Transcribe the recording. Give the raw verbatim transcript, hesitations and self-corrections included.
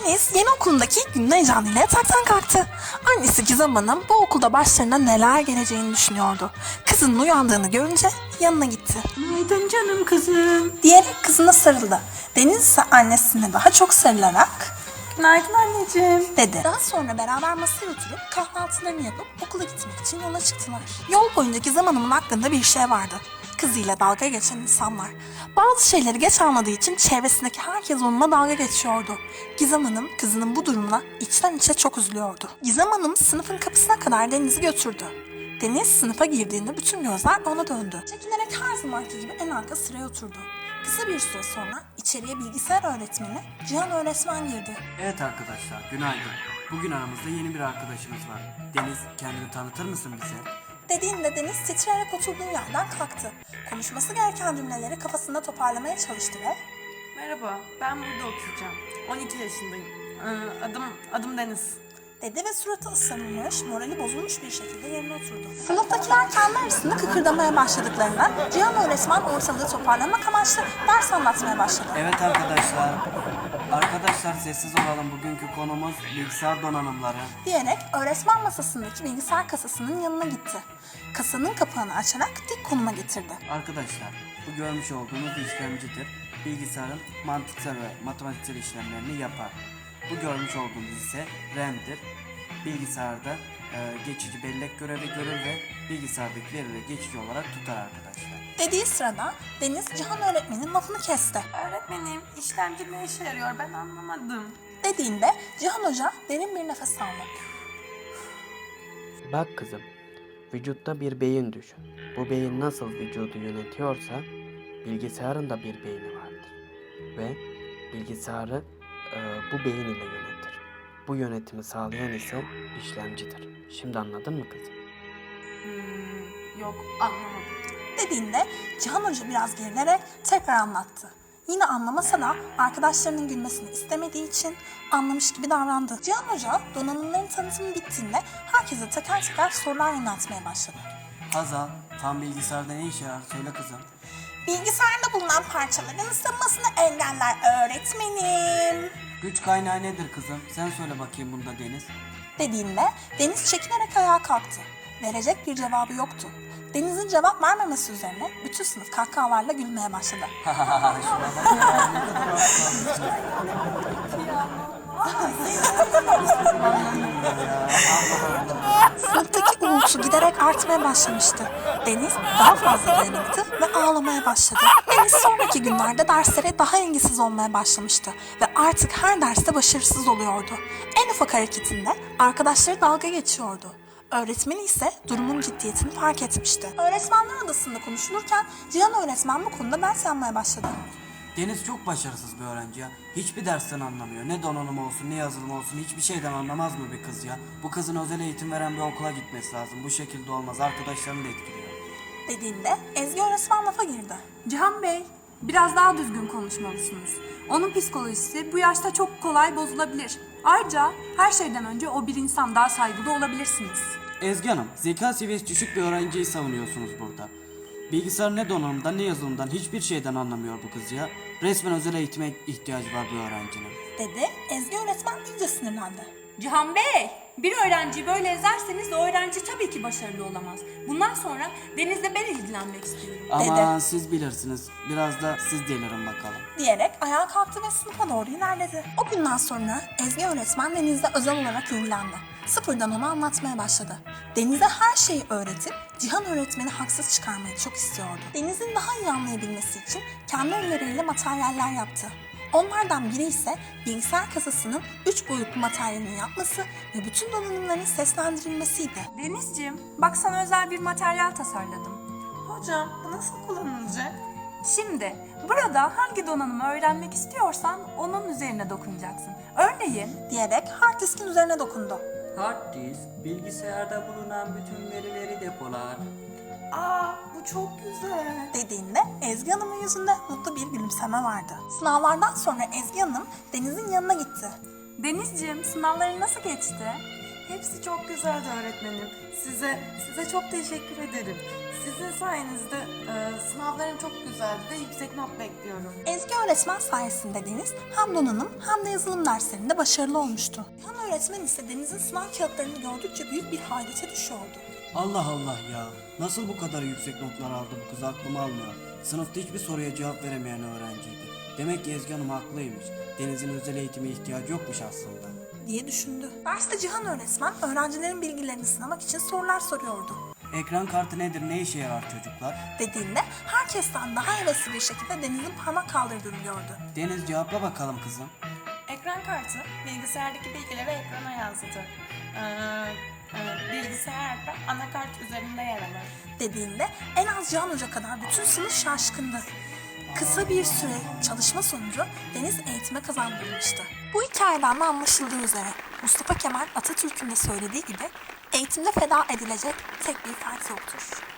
Deniz yeni okulundaki ilk günün heyecanıyla yataktan kalktı. Annesi Gizem Hanım bu okulda başlarına neler geleceğini düşünüyordu. Kızının uyandığını görünce yanına gitti. Günaydın canım kızım. Diyerek kızına sarıldı. Deniz ise annesine daha çok sarılarak Günaydın anneciğim. dedi. Daha sonra beraber masaya oturup kahvaltılarını yapıp okula gitmek için yola çıktılar. Yol boyunca Gizem Hanım'ın aklında bir şey vardı. Kızıyla dalga geçen insanlar. Bazı şeyleri geç anladığı için çevresindeki herkes onunla dalga geçiyordu. Gizem Hanım kızının bu durumuna içten içe çok üzülüyordu. Gizem Hanım sınıfın kapısına kadar Deniz'i götürdü. Deniz sınıfa girdiğinde bütün gözler ona döndü. Çekinerek her zamanki gibi en arka sıraya oturdu. Kısa bir süre sonra içeriye bilgisayar öğretmeni Cihan öğretmen girdi. Evet arkadaşlar, günaydın. Bugün aramızda yeni bir arkadaşımız var. Deniz, kendini tanıtır mısın bize? Dediğinde Deniz titreyerek oturduğu yerden kalktı. Konuşması gereken cümleleri kafasında toparlamaya çalıştı ve Merhaba, ben burada okuyacağım. on iki yaşındayım. Ee, adım adım Deniz. dedi ve suratı ısınmış, morali bozulmuş bir şekilde yerine oturdu. Sınıftakiler kendi arasında kıkırdamaya başladıklarından Cihan öğretmen ortalığı toparlamak amaçlı ders anlatmaya başladı. Evet arkadaşlar. Arkadaşlar sessiz olalım. Bugünkü konumuz bilgisayar donanımları. Diyerek öğretmen masasındaki bilgisayar kasasının yanına gitti. Kasanın kapağını açarak dik konuma getirdi. Arkadaşlar, bu görmüş olduğunuz işlemcidir. Bilgisayarın mantıksal ve matematiksel işlemlerini yapar. Bu görmüş olduğunuz ise RAM'dir. Bilgisayarda e, geçici bellek görevi görür ve bilgisayardaki verileri geçici olarak tutar arkadaşlar. Dediği sırada Deniz Cihan öğretmenin lafını kesti. Öğretmenim, işlemci ne işe yarıyor ben anlamadım. Dediğinde Cihan Hoca derin bir nefes aldı. Bak kızım, vücutta bir beyin düşün. Bu beyin nasıl vücudu yönetiyorsa bilgisayarın da bir beyni vardır. Ve bilgisayarı e, bu beyin ile yönetir. Bu yönetimi sağlayan ise işlemcidir. Şimdi anladın mı kızım? Hmm, yok anlamadım. Dediğinde Cihan Hoca biraz gerilerek tekrar anlattı. Yine anlamasa da arkadaşlarının gülmesini istemediği için anlamış gibi davrandı. Cihan Hoca donanımların tanıtımı bittiğinde herkese teker teker sorular yöneltmeye başladı. Hazal, tam bilgisayarda ne işe yarar? Söyle kızım. Bilgisayarda bulunan parçaların ısınmasını engeller öğretmenim. Güç kaynağı nedir kızım? Sen söyle bakayım bunda Deniz. Dediğinde Deniz çekinerek ayağa kalktı. Verecek bir cevabı yoktu. Deniz'in cevap vermemesi üzerine bütün sınıf kahkahalarla gülmeye başladı. Sınıftaki uğultu giderek artmaya başlamıştı. Deniz daha fazla dayanamadı ve ağlamaya başladı. Deniz sonraki günlerde derslere daha ilgisiz olmaya başlamıştı ve artık her derste başarısız oluyordu. En ufak hareketinde arkadaşları dalga geçiyordu. Öğretmeni ise durumun ciddiyetini fark etmişti. Öğretmenler odasında konuşulurken Cihan öğretmen bu konuda ders yapmaya başladı. Deniz çok başarısız bir öğrenci ya. Hiçbir dersten anlamıyor. Ne donanım olsun ne yazılım olsun hiçbir şeyden anlamaz mı bir kız ya? Bu kızın özel eğitim veren bir okula gitmesi lazım. Bu şekilde olmaz. Arkadaşlarını da etkiliyor. Dediğinde Ezgi öğretmen lafa girdi. Cihan Bey, biraz daha düzgün konuşmalısınız. Onun psikolojisi bu yaşta çok kolay bozulabilir. Ayrıca her şeyden önce o bir insan, daha saygılı olabilirsiniz. Ezgi Hanım, zeka seviyesi düşük bir öğrenciyi savunuyorsunuz burada. Bilgisayar ne donanımdan ne yazılımdan hiçbir şeyden anlamıyor bu kız ya. Resmen özel eğitime ihtiyacı var bu öğrencinin. Dedi. Ezgi öğretmen iyice sinirlendi. Cihan Bey, bir öğrenciyi böyle ezerseniz o öğrenci tabii ki başarılı olamaz. Bundan sonra Deniz'le ben ilgilenmek istiyorum. Ama Dedi. siz bilirsiniz. Biraz da siz delirin bakalım. Diyerek ayağa kalktı ve sınıfa doğru ilerledi. O günden sonra Ezgi öğretmen Deniz'le özel olarak ilgilendi. Sıfırdan ona anlatmaya başladı. Deniz'e her şeyi öğretip Cihan öğretmeni haksız çıkarmayı çok istiyordu. Deniz'in daha iyi anlayabilmesi için kendi elleriyle materyaller yaptı. Onlardan biri ise bilgisayar kasasının üç boyutlu materyalini yapması ve bütün donanımların seslendirilmesiydi. Denizciğim, bak sana özel bir materyal tasarladım. Hocam bu nasıl kullanılacak? Şimdi burada hangi donanımı öğrenmek istiyorsan onun üzerine dokunacaksın. Örneğin Diyerek hard diskin üzerine dokundu. Hard disk, bilgisayarda bulunan bütün verileri depolar. Aa bu çok güzel. Dediğinde Ezgi Hanım'ın yüzünde mutlu bir gülümseme vardı. Sınavlardan sonra Ezgi Hanım Deniz'in yanına gitti. Denizciğim, sınavların nasıl geçti? Hepsi çok güzeldi öğretmenim. Size size çok teşekkür ederim. Sizin sayenizde e, sınavlarım çok güzeldi ve yüksek not bekliyorum. Ezgi öğretmen sayesinde Deniz hem donanım hem de yazılım derslerinde başarılı olmuştu. Han öğretmen ise Deniz'in sınav kağıtlarını gördükçe büyük bir hayrete düşüyordu. Allah Allah ya. Nasıl bu kadar yüksek notlar aldı bu kız, aklım almıyor. Sınıfta hiçbir soruya cevap veremeyen öğrenciydi. Demek ki Ezgi Hanım haklıymış. Deniz'in özel eğitime ihtiyacı yokmuş aslında. diye düşündü. Derste Cihan öğretmen öğrencilerin bilgilerini sınamak için sorular soruyordu. Ekran kartı nedir, ne işe yarar çocuklar? Dediğinde herkesten daha hevesli bir şekilde Deniz'in parmak kaldırdığını gördü. Deniz cevapla bakalım kızım. Ekran kartı bilgisayardaki bilgileri ekrana yansıtır. Ee, e, bilgisayarda anakart üzerinde yer alır. Dediğinde en az Cihan Hoca kadar bütün sınıf şaşkındı. Kısa bir süre çalışma sonucu Deniz eğitime kazandırılmıştı. Bu hikayeden de anlaşıldığı üzere Mustafa Kemal Atatürk'ün de söylediği gibi eğitimde feda edilecek tek bir fert yoktur.